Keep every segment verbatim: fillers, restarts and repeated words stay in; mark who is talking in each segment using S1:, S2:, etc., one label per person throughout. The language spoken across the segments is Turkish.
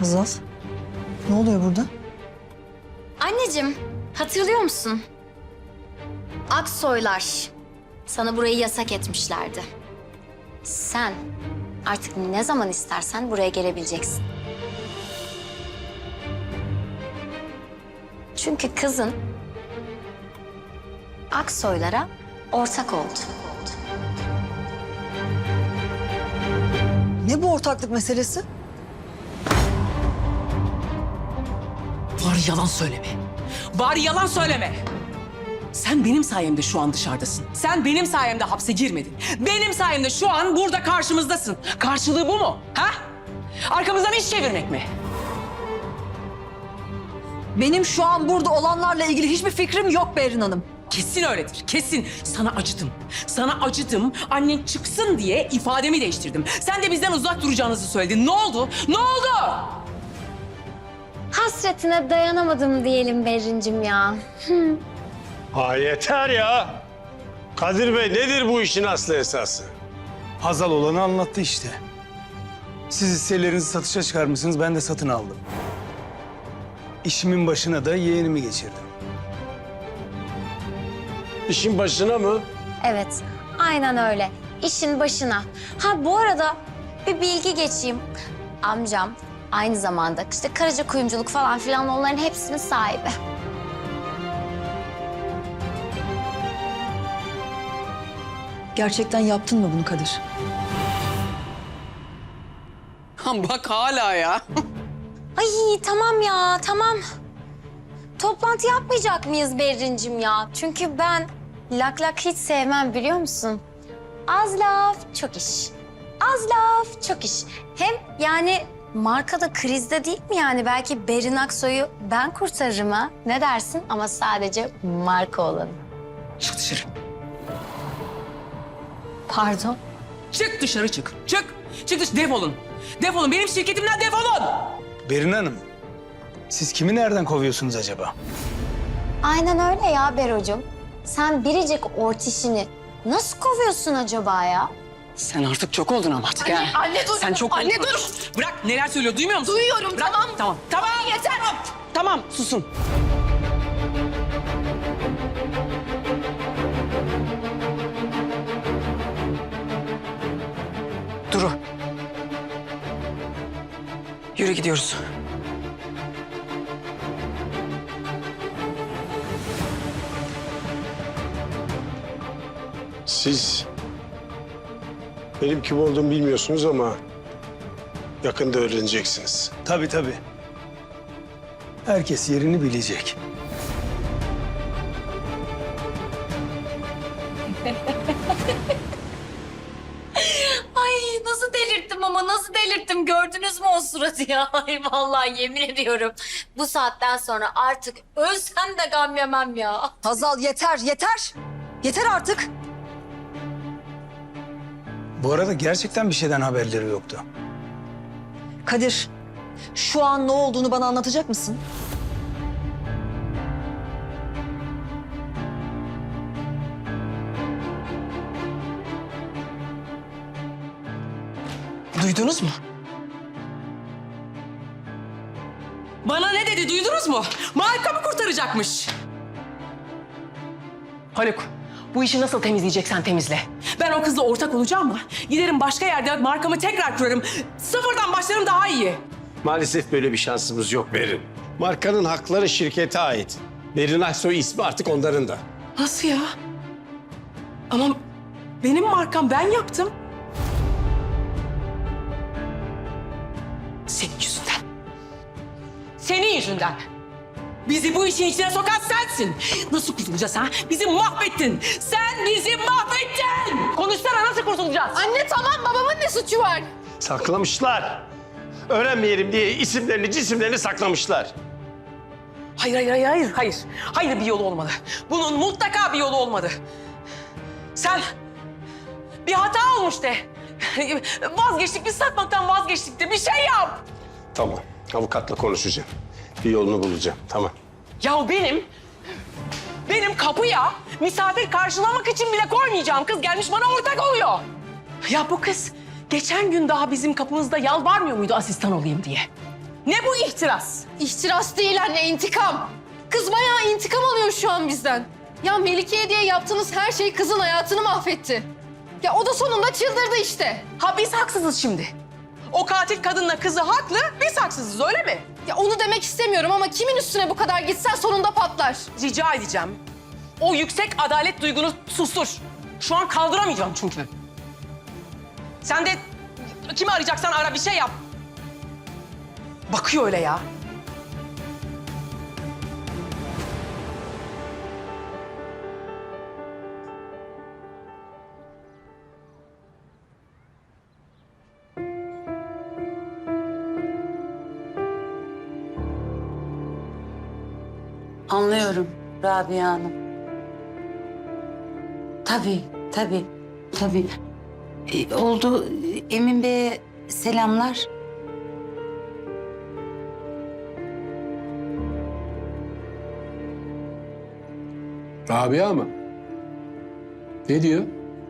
S1: Hazal, ne oluyor burada?
S2: Anneciğim, hatırlıyor musun? Aksoylar sana burayı yasak etmişlerdi. Sen artık ne zaman istersen buraya gelebileceksin. Çünkü kızın Aksoylara ortak oldu.
S1: Ne bu ortaklık meselesi?
S3: Bari yalan söyleme. Bari yalan söyleme. Sen benim sayemde şu an dışarıdasın. Sen benim sayemde hapse girmedin. Benim sayemde şu an burada karşımızdasın. Karşılığı bu mu? Ha? Arkamızdan iş çevirmek mi?
S1: Benim şu an burada olanlarla ilgili hiçbir fikrim yok Berin Hanım.
S3: Kesin öyledir, kesin. Sana acıdım. Sana acıdım. Annen çıksın diye ifademi değiştirdim. Sen de bizden uzak duracağınızı söyledin. Ne oldu? Ne oldu?
S2: Hasretine dayanamadım diyelim Berrincim ya.
S4: Ha yeter ya. Kadir Bey nedir bu işin aslı esası?
S5: Hazal olanı anlattı işte. Siz hisselerinizi satışa çıkarmışsınız, ben de satın aldım. İşimin başına da yeğenimi geçirdim.
S4: İşin başına mı?
S2: Evet, aynen öyle. İşin başına. Ha bu arada bir bilgi geçeyim. Amcam aynı zamanda işte Karaca Kuyumculuk falan filan onların hepsinin sahibi.
S1: Gerçekten yaptın mı bunu Kadir?
S3: Bak hala ya.
S2: Ay tamam ya, tamam. Toplantı yapmayacak mıyız Berrincim ya? Çünkü ben lak lak hiç sevmem biliyor musun? Az laf, çok iş. Az laf, çok iş. Hem yani markada krizde değil mi yani? Belki Berin Aksoy'u ben kurtarırım ha. Ne dersin? Ama sadece marka olanı.
S3: Çık dışarı.
S2: Pardon.
S3: Çık dışarı çık. Çık. Çık dışarı. Defolun. Defolun. Benim şirketimden defolun.
S5: Berin Hanım, siz kimi nereden kovuyorsunuz acaba?
S2: Aynen öyle ya Bero'cum. Sen biricik ortişini nasıl kovuyorsun acaba ya?
S3: Sen artık çok oldun ama artık ha.
S6: Anne dur.
S3: Sen çok
S6: Anne
S3: oldun.
S6: dur.
S3: Bırak neler söylüyor duymuyor musun?
S6: Duyuyorum,
S3: Bırak.
S6: tamam.
S3: Tamam. Tamam.
S6: Yeter.
S3: Tamam susun. Duru. Yürü gidiyoruz.
S4: Siz benim kim olduğumu bilmiyorsunuz ama yakında öğreneceksiniz.
S5: Tabii tabii. Herkes yerini bilecek.
S6: Ay nasıl delirttim ama nasıl delirttim gördünüz mü o suratı ya? Ay vallahi yemin ediyorum bu saatten sonra artık ölsem de gam yemem ya.
S1: Hazal yeter, yeter. Yeter artık.
S5: Bu arada gerçekten bir şeyden haberleri yoktu.
S1: Kadir, şu an ne olduğunu bana anlatacak mısın?
S3: Duydunuz mu? Bana ne dedi duydunuz mu? Marka mı kurtaracakmış? Haluk, bu işi nasıl temizleyeceksen temizle. Ben o kızla ortak olacağım ama giderim başka yerde markamı tekrar kurarım. Sıfırdan başlarım daha iyi.
S4: Maalesef böyle bir şansımız yok Berin. Markanın hakları şirkete ait. Berin Aksoy ismi artık onların da.
S3: Nasıl ya? Ama benim markam ben yaptım. Senin yüzünden. Senin yüzünden. Bizi bu işin içine sokan sensin. Nasıl kurtulacağız ha? Bizi mahvettin. Sen bizi mahvettin. Konuşsana nasıl kurtulacağız?
S6: Anne tamam babamın ne suçu var?
S4: Saklamışlar. Öğrenmeyelim diye isimlerini, cisimlerini saklamışlar.
S3: Hayır, hayır, hayır, hayır, hayır. Hayır bir yolu olmalı. Bunun mutlaka bir yolu olmalı. Sen bir hata olmuş de. Vazgeçtik, biz satmaktan vazgeçtik de bir şey yap.
S4: Tamam, avukatla konuşacağım. Bir yolunu bulacağım, tamam.
S3: Ya benim, benim kapıya misafir karşılamak için bile koymayacağım kız gelmiş bana ortak oluyor. Ya bu kız geçen gün daha bizim kapımızda yalvarmıyor muydu asistan olayım diye? Ne bu ihtiras?
S7: İhtiras değil anne, intikam. Kız bayağı intikam alıyor şu an bizden. Ya Melike'ye diye yaptığınız her şey kızın hayatını mahvetti. Ya o da sonunda çıldırdı işte.
S3: Ha biz haksızız şimdi. O katil kadınla kızı haklı, biz haksızız öyle mi?
S7: Ya onu demek istemiyorum ama kimin üstüne bu kadar gitsen sonunda patlar.
S3: Rica edeceğim. O yüksek adalet duygunu sustur. Şu an kaldıramayacağım çünkü. Sen de kimi arayacaksan ara, bir şey yap. Bakıyor öyle ya.
S8: Anlıyorum Rabia Hanım. Tabii, tabii, tabii. Ee, oldu. Emin Bey'e selamlar.
S4: Rabia mı? Ne diyor?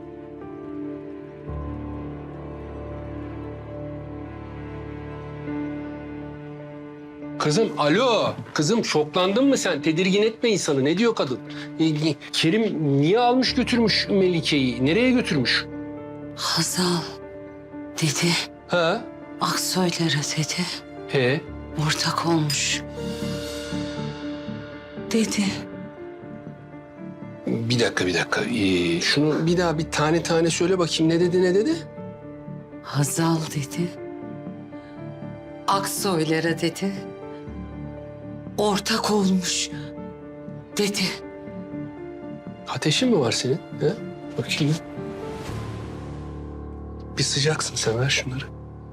S4: Kızım alo. Kızım şoklandın mı sen? Tedirgin etme insanı. Ne diyor kadın? Ee, Kerim niye almış götürmüş Melike'yi? Nereye götürmüş?
S8: Hazal dedi.
S4: Ha?
S8: Aksoylara dedi.
S4: He?
S8: Ortak olmuş. Dedi.
S4: Bir dakika bir dakika. Ee, şunu bir daha bir tane tane söyle bakayım. Ne dedi ne dedi?
S8: Hazal dedi. Aksoylara dedi. Ortak olmuş. Dedi.
S4: Ateşin mi var senin? He? Bakayım. Bir sıcaksın sen, ver şunları.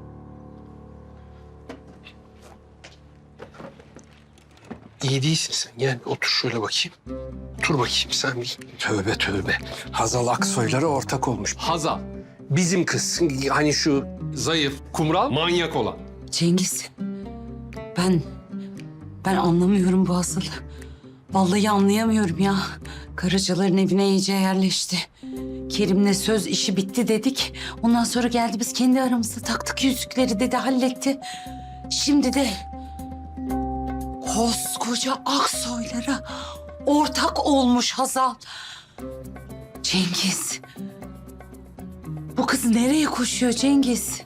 S4: İyi değilsin sen. Gel otur şöyle bakayım. Otur bakayım sen bir. Tövbe tövbe. Hazal Aksoylara ortak olmuş. Hazal. Bizim kız. Hani şu zayıf, kumral, manyak olan.
S8: Cengiz. Ben... Ben anlamıyorum bu Hazal'ı. Vallahi anlayamıyorum ya. Karacaların evine iyice yerleşti. Kerim'le söz işi bitti dedik. Ondan sonra geldi biz kendi aramızda taktık yüzükleri dedi, halletti. Şimdi de koskoca Aksoylara ortak olmuş Hazal. Cengiz. Bu kız nereye koşuyor Cengiz?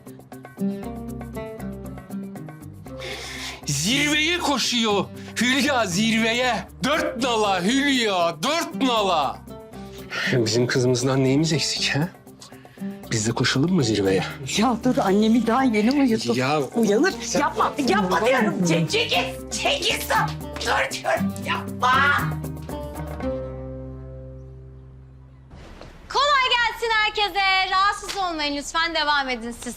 S4: Zirveye koşuyor. Hülya zirveye. Dört nala Hülya, dört nala. Bizim kızımızdan neyimiz eksik ha? Biz de koşalım mı zirveye?
S8: Ya dur, annemi daha yeni uyuttum.
S4: Ya
S8: Uyanır. Yapma, yapma diyorum. Cengiz, Cengiz dur diyorum. Yapma.
S2: Kolay gelsin herkese. Rahatsız olmayın lütfen, devam edin siz.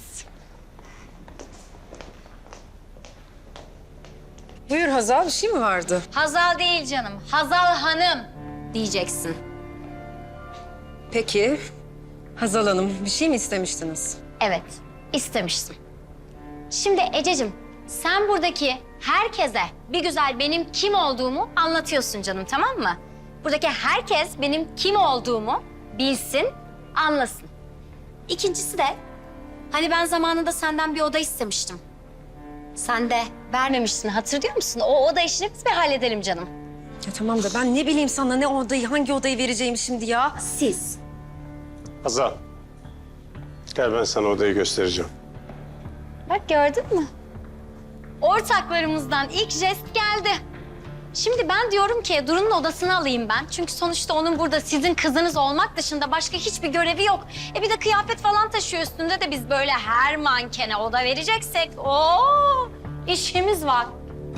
S7: Buyur Hazal, bir şey mi vardı?
S2: Hazal değil canım, Hazal Hanım diyeceksin.
S7: Peki. Hazal Hanım, bir şey mi istemiştiniz?
S2: Evet, istemiştim. Şimdi Ececiğim, sen buradaki herkese bir güzel benim kim olduğumu anlatıyorsun canım, tamam mı? Buradaki herkes benim kim olduğumu bilsin, anlasın. İkincisi de, hani ben zamanında senden bir oda istemiştim. Sen de vermemiştin, hatırlıyor musun? O oda işini biz bir halledelim canım.
S7: Ya tamam da ben ne bileyim sana ne odayı, hangi odayı vereceğimi şimdi ya.
S2: Siz.
S4: Hazal. Gel ben sana odayı göstereceğim.
S2: Bak gördün mü? Ortaklarımızdan ilk jest geldi. Şimdi ben diyorum ki Duru'nun odasını alayım ben. Çünkü sonuçta onun burada sizin kızınız olmak dışında başka hiçbir görevi yok. E bir de kıyafet falan taşıyor üstünde de biz böyle her mankene oda vereceksek ooo işimiz var.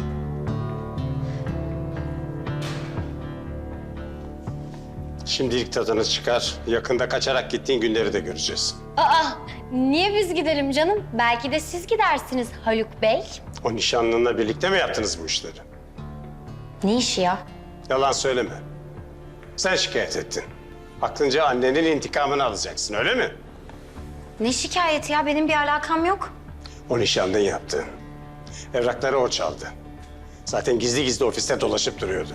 S4: Şimdilik tadını çıkar. Yakında kaçarak gittiğin günleri de göreceğiz.
S2: Aa niye biz gidelim canım? Belki de siz gidersiniz Haluk Bey.
S4: O nişanlınla birlikte mi yaptınız bu işleri?
S2: Ne işi ya?
S4: Yalan söyleme. Sen şikayet ettin. Aklınca annenin intikamını alacaksın, öyle mi?
S2: Ne şikayeti ya? Benim bir alakam yok.
S4: O nişanlın yaptı. Evrakları o çaldı. Zaten gizli gizli ofiste dolaşıp duruyordu.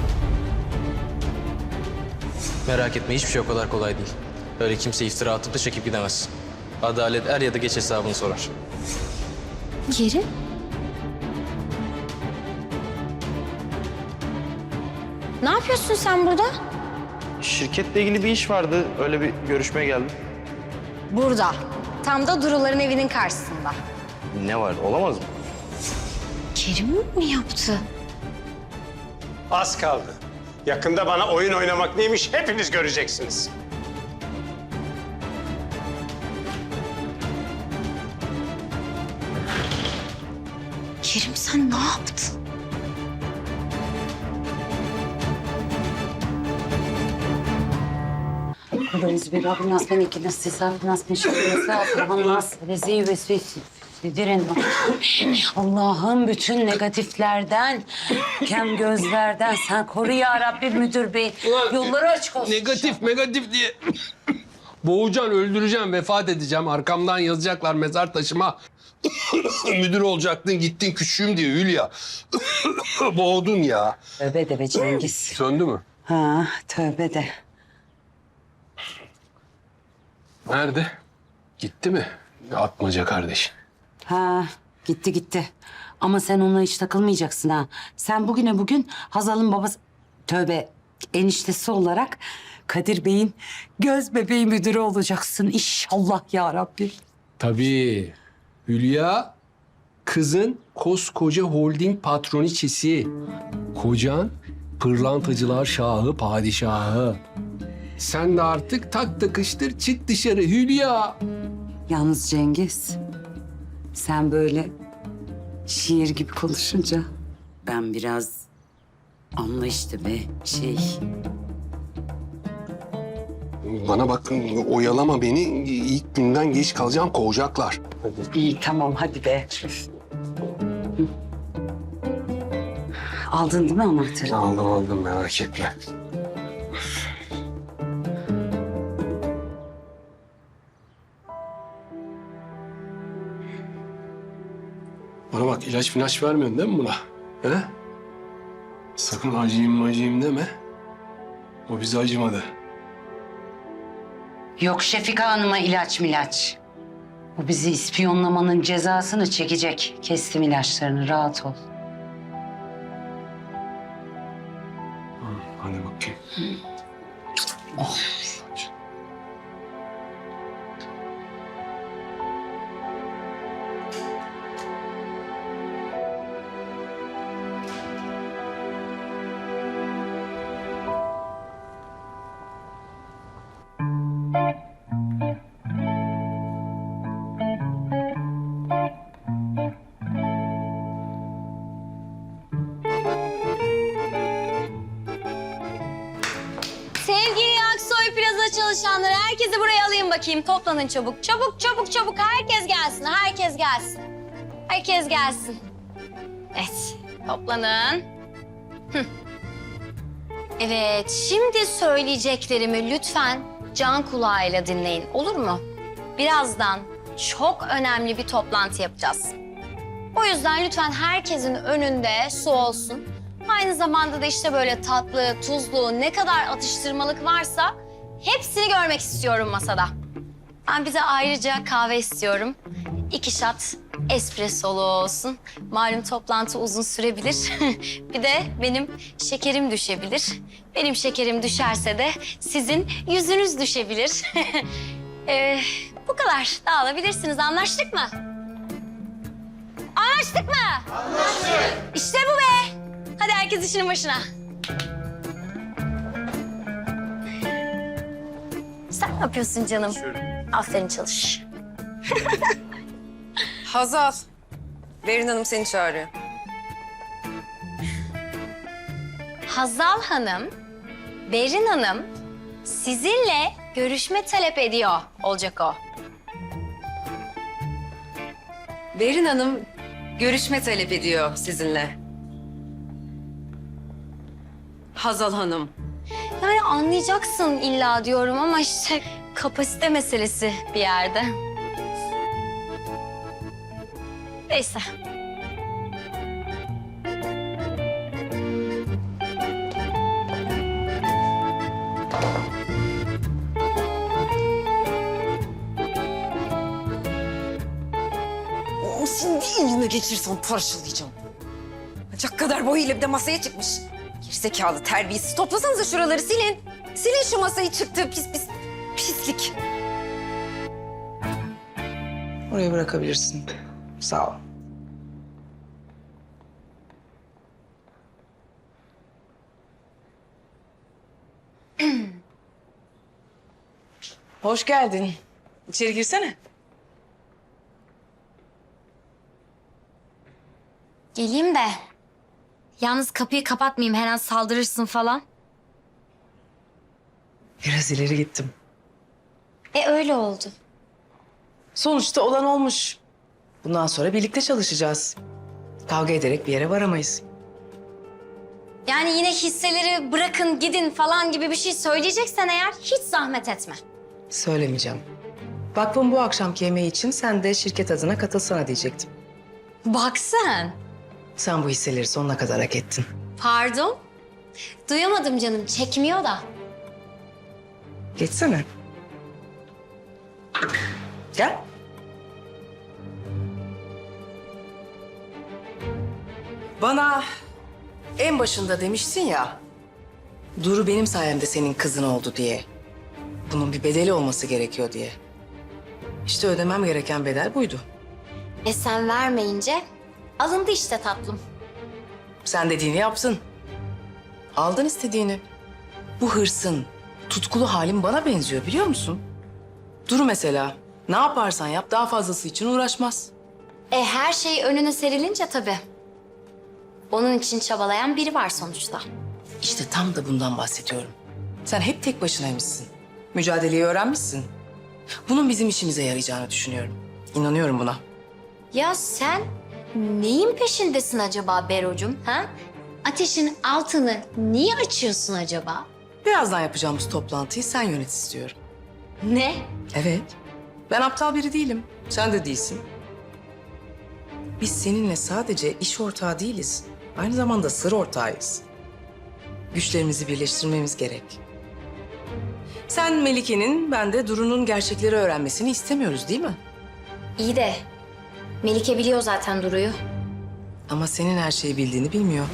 S9: Merak etme, hiçbir şey o kadar kolay değil. Öyle kimse iftira atıp da çekip gidemez. Adalet er ya da geç hesabını sorar.
S2: Kerim? Ne yapıyorsun sen burada?
S10: Şirketle ilgili bir iş vardı. Öyle bir görüşmeye geldim.
S2: Burada. Tam da Duru'ların evinin karşısında.
S10: Ne var? Olamaz mı?
S2: Kerim mi yaptı?
S11: Az kaldı. Yakında bana oyun oynamak neymiş hepiniz göreceksiniz.
S2: Kerim sen ne yaptın?
S8: Biz bir Rabbim nasıl beni ki nasıl hesap nasıl bir şey nasıl Allah'ım nasıl rezil ve südirin. Allah'ım bütün negatiflerden, kem gözlerden sen koru ya Rabbim müdür bey. Yolları açık olsun.
S4: Negatif negatif diye. Boğacaksın, öldüreceğim, vefat edeceğim. Arkamdan yazacaklar mezar taşıma. Müdür olacaktın, gittin küçüğüm diye Hülya. Boğdun ya.
S8: Tövbe de be Cengiz.
S4: Söndü mü?
S8: Ha tövbe de.
S4: Nerede? Gitti mi? Atmaca kardeş.
S8: Ha gitti gitti. Ama sen onunla hiç takılmayacaksın ha. Sen bugüne bugün Hazal'ın babası... Tövbe eniştesi olarak Kadir Bey'in göz bebeği müdürü olacaksın. İnşallah ya Rabbi.
S4: Tabii. Hülya, kızın koskoca holding patroniçesi. Kocan pırlantacılar şahı, padişahı. Sen de artık tak takıştır, çık dışarı Hülya.
S8: Yalnız Cengiz, sen böyle şiir gibi konuşunca ben biraz anla işte be şey.
S4: Bana bak, oyalama beni. İlk günden geç kalacağım, kovacaklar.
S8: İyi tamam hadi be. Hı. Aldın değil mi anahtarı?
S4: Aldım aldım, merak etme. Bana bak, ilaç ilaç vermiyorsun değil mi buna? He? Sakın acıyım acıyım deme. O bize acımadı.
S8: Yok Şefika Hanım'a ilaç milaç. Bu bizi ispiyonlamanın cezasını çekecek. Kestim ilaçlarını, rahat ol.
S4: Hadi bakayım.
S8: Oh.
S2: Sevgili Aksoy Plaza çalışanları, herkesi buraya alayım bakayım. Toplanın çabuk. Çabuk, çabuk, çabuk. Herkes gelsin, herkes gelsin. Herkes gelsin. Evet, toplanın. Hı. Evet, şimdi söyleyeceklerimi lütfen can kulağıyla dinleyin, olur mu? Birazdan çok önemli bir toplantı yapacağız. O yüzden lütfen herkesin önünde su olsun. Aynı zamanda da işte böyle tatlı, tuzlu, ne kadar atıştırmalık varsa hepsini görmek istiyorum masada. Ben bize ayrıca kahve istiyorum. İki şat espressolu olsun. Malum toplantı uzun sürebilir. Bir de benim şekerim düşebilir. Benim şekerim düşerse de sizin yüzünüz düşebilir. ee, bu kadar. Dağılabilirsiniz. Anlaştık mı? Anlaştık mı? Anlaştık. İşte bu be. Hadi herkes işinin başına. Sen ne yapıyorsun canım? Aferin çalış.
S12: Hazal, Berin Hanım seni çağırıyor.
S2: Hazal Hanım, Berin Hanım sizinle görüşme talep ediyor olacak o.
S12: Berin Hanım görüşme talep ediyor sizinle. Hazal Hanım.
S2: Yani anlayacaksın illa diyorum ama işte kapasite meselesi bir yerde. Neyse.
S12: O şimdi elime geçirsem parçalayacağım. Bacak kadar boyuyla bir de masaya çıkmış. Gerizekalı terbiyesiz. Toplasanıza şuraları silin. Silin şu masayı çıktı pis pis. Pislik.
S13: Oraya bırakabilirsin. Sağ ol. Hoş geldin. İçeri girsene.
S2: Geleyim de. Yalnız kapıyı kapatmayayım, her an saldırırsın falan.
S13: Biraz ileri gittim.
S2: E öyle oldu.
S13: Sonuçta olan olmuş. Bundan sonra birlikte çalışacağız. Kavga ederek bir yere varamayız.
S2: Yani yine hisseleri bırakın gidin falan gibi bir şey söyleyeceksen eğer hiç zahmet etme.
S13: Söylemeyeceğim. Vakfın bu akşamki yemeği için sen de şirket adına katılsana diyecektim.
S2: Bak sen.
S13: Sen bu hisseleri sonuna kadar hak ettin.
S2: Pardon? Duyamadım canım, çekmiyor da.
S13: Geçsene. Gel. Bana en başında demiştin ya, Duru benim sayemde senin kızın oldu diye. Bunun bir bedeli olması gerekiyor diye. İşte ödemem gereken bedel buydu.
S2: E sen vermeyince alındı işte tatlım.
S13: Sen dediğini yaptın. Aldın istediğini. Bu hırsın, tutkulu halin bana benziyor biliyor musun? Duru mesela, ne yaparsan yap daha fazlası için uğraşmaz.
S2: E her şey önüne serilince tabii. Onun için çabalayan biri var sonuçta.
S13: İşte tam da bundan bahsediyorum. Sen hep tek başınaymışsın. Mücadeleyi öğrenmişsin. Bunun bizim işimize yarayacağını düşünüyorum. İnanıyorum buna.
S2: Ya sen neyin peşindesin acaba Berocum? Ha? Ateşin altını niye açıyorsun acaba?
S13: Birazdan yapacağımız toplantıyı sen yönet istiyorum.
S2: Ne?
S13: Evet. Ben aptal biri değilim. Sen de değilsin. Biz seninle sadece iş ortağı değiliz. Aynı zamanda sır ortağıyız. Güçlerimizi birleştirmemiz gerek. Sen Melike'nin, ben de Duru'nun gerçekleri öğrenmesini istemiyoruz değil mi?
S2: İyi de Melike biliyor zaten Duru'yu.
S13: Ama senin her şeyi bildiğini bilmiyor.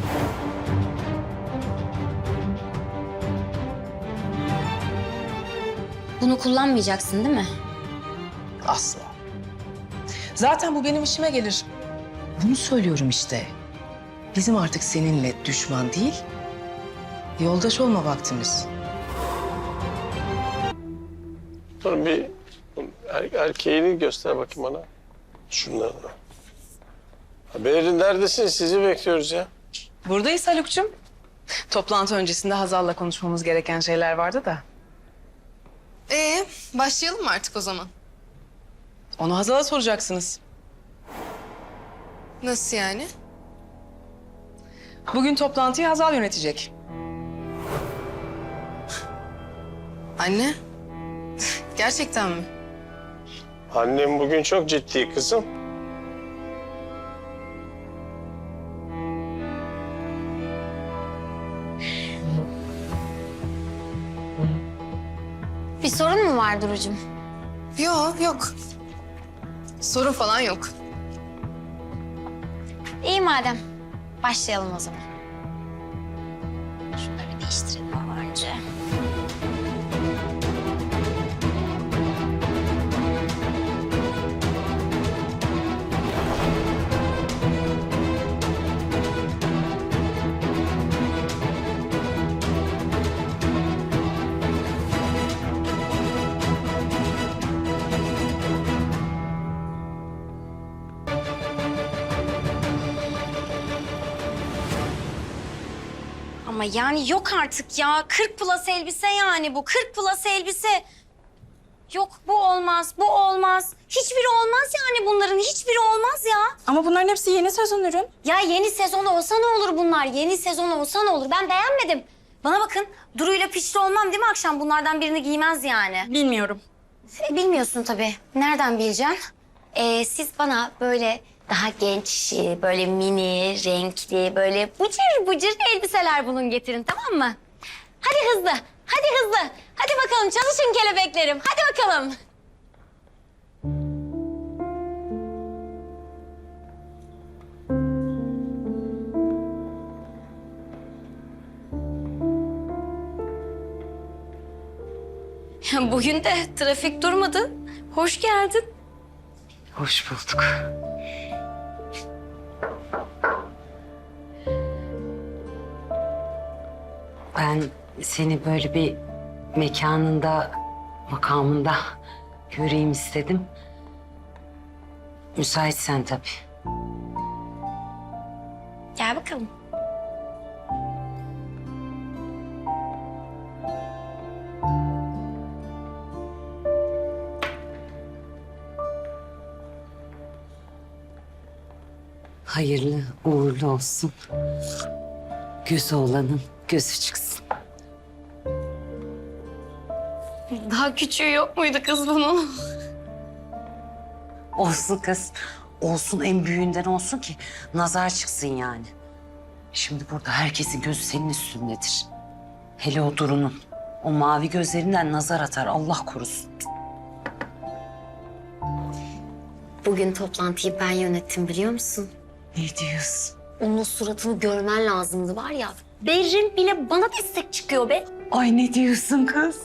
S2: Bunu kullanmayacaksın değil mi?
S13: Asla. Zaten bu benim işime gelir. Bunu söylüyorum işte. Bizim artık seninle düşman değil, yoldaş olma vaktimiz.
S11: Dur bir er, erkeğini göster bakayım bana. Şunları. Berin neredesin? Sizi bekliyoruz ya.
S13: Buradayız Haluk'cum. Toplantı öncesinde Hazal'la konuşmamız gereken şeyler vardı da.
S7: Ee, başlayalım mı artık o zaman?
S13: Onu Hazal'a soracaksınız.
S7: Nasıl yani?
S13: Bugün toplantıyı Hazal yönetecek.
S7: Anne, gerçekten mi?
S11: Annem bugün çok ciddi kızım.
S2: Bir sorun mu var Duru'cum?
S7: Yok, yok. Sorun falan yok.
S2: İyi madem. Başlayalım o zaman. Şunları bir değiştirelim ama önce. Ama yani yok artık ya. kırk plus elbise yani bu. kırk plus elbise. Yok bu olmaz, bu olmaz. Hiçbiri olmaz yani bunların. Hiçbiri olmaz ya.
S7: Ama bunların hepsi yeni sezon ürün.
S2: Ya yeni sezon olsa ne olur bunlar? Yeni sezon olsa ne olur? Ben beğenmedim. Bana bakın Duru'yla pişti olmam değil mi akşam? Bunlardan birini giymez yani.
S7: Bilmiyorum.
S2: E, bilmiyorsun tabii. Nereden bileceksin? Ee, siz bana böyle daha genç, işi, böyle mini, renkli, böyle bıcır bıcır elbiseler bulun getirin tamam mı? Hadi hızlı, hadi hızlı. Hadi bakalım çalışın kelebeklerim. Hadi bakalım. Bugün de trafik durmadı. Hoş geldin.
S8: Hoş bulduk. Ben seni böyle bir mekanında, makamında göreyim istedim. Müsaitsen tabii.
S2: Gel bakalım.
S8: Hayırlı uğurlu olsun. Gözü olanın gözü çıksın.
S2: Daha küçüğü yok muydu kız bunun?
S8: Olsun kız. Olsun, en büyüğünden olsun ki nazar çıksın yani. Şimdi burada herkesin gözü senin üstündedir. Hele o Duru'nun. O mavi gözlerinden nazar atar, Allah korusun.
S2: Bugün toplantıyı ben yönettim biliyor musun?
S8: Ne diyorsun?
S2: Onun suratını görmen lazımdı var ya. Berrin bile bana destek çıkıyor be.
S8: Ay ne diyorsun kız?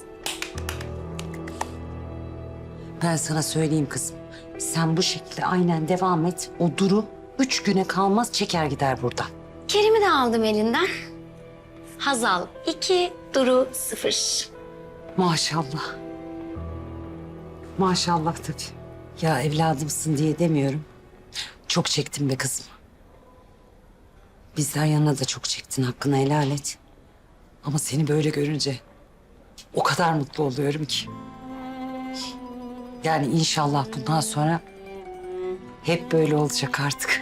S8: Ben sana söyleyeyim kızım. Sen bu şekilde aynen devam et. O Duru üç güne kalmaz çeker gider buradan.
S2: Kerim'i de aldım elinden. Hazal iki, Duru sıfır.
S8: Maşallah. Maşallah tabii. Ya evladımsın diye demiyorum. Çok çektim be kızım. Bizden yana da çok çektin. Hakkını helal et. Ama seni böyle görünce o kadar mutlu oluyorum ki. Yani inşallah bundan sonra hep böyle olacak artık.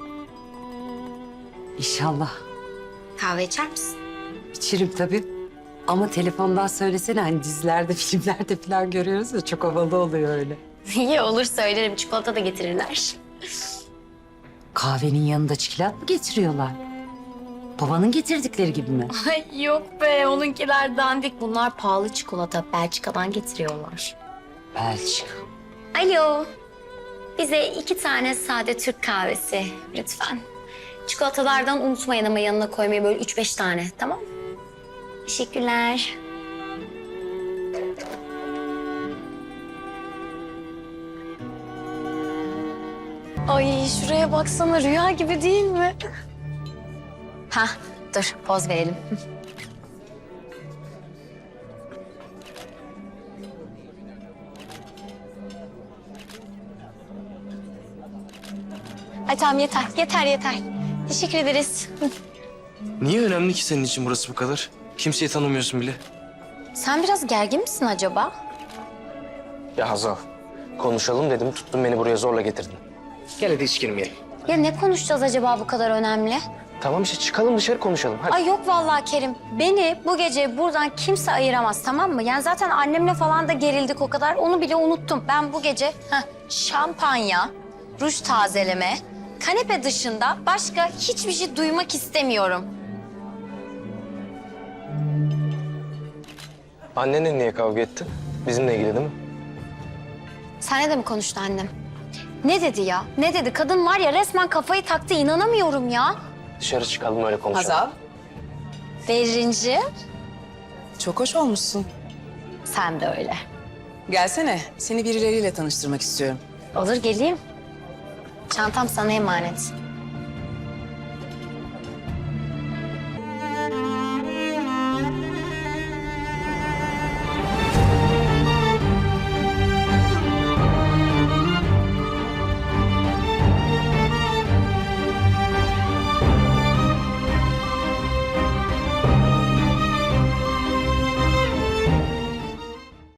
S8: İnşallah.
S2: Kahve içer misin?
S8: İçerim tabii. Ama telefondan söylesene, hani dizilerde, filmlerde falan görüyoruz ya, çok havalı oluyor öyle.
S2: İyi olur söylerim. Çikolata da getirirler.
S8: Kahvenin yanında çikolat mı getiriyorlar? Babanın getirdikleri gibi mi?
S2: Ay yok be onunkiler dandik. Bunlar pahalı çikolata. Belçika'dan getiriyorlar.
S8: Belçika.
S2: Alo. Bize iki tane sade Türk kahvesi lütfen. Çikolatalardan unutmayın ama yanına koymayı böyle üç beş tane, tamam mı? Teşekkürler. Ay şuraya baksana, rüya gibi değil mi? Hah, dur poz verelim. Ay tamam yeter, yeter yeter. Teşekkür ederiz.
S9: Niye önemli ki senin için burası bu kadar? Kimseyi tanımıyorsun bile.
S2: Sen biraz gergin misin acaba?
S9: Ya Hazal, konuşalım dedim, tuttun beni buraya zorla getirdin. Gel hadi hiç girmeyelim.
S2: Ya ne konuşacağız acaba bu kadar önemli?
S9: Tamam işte çıkalım dışarı konuşalım hadi.
S2: Ay yok vallahi Kerim. Beni bu gece buradan kimse ayıramaz, tamam mı? Yani zaten annemle falan da gerildik o kadar. Onu bile unuttum. Ben bu gece heh, şampanya, ruj tazeleme, kanepe dışında başka hiçbir şey duymak istemiyorum.
S9: Annenle niye kavga ettin? Bizimle ilgili değil mi?
S2: Senle de mi konuştu annem? Ne dedi ya? Ne dedi? Kadın var ya resmen kafayı taktı. İnanamıyorum ya.
S9: Dışarı çıkalım öyle konuşalım.
S13: Hazal,
S2: Berrinci,
S13: çok hoş olmuşsun.
S2: sen de öyle.
S13: Gelsene, seni birileriyle tanıştırmak istiyorum.
S2: Olur geleyim. Çantam sana emanet.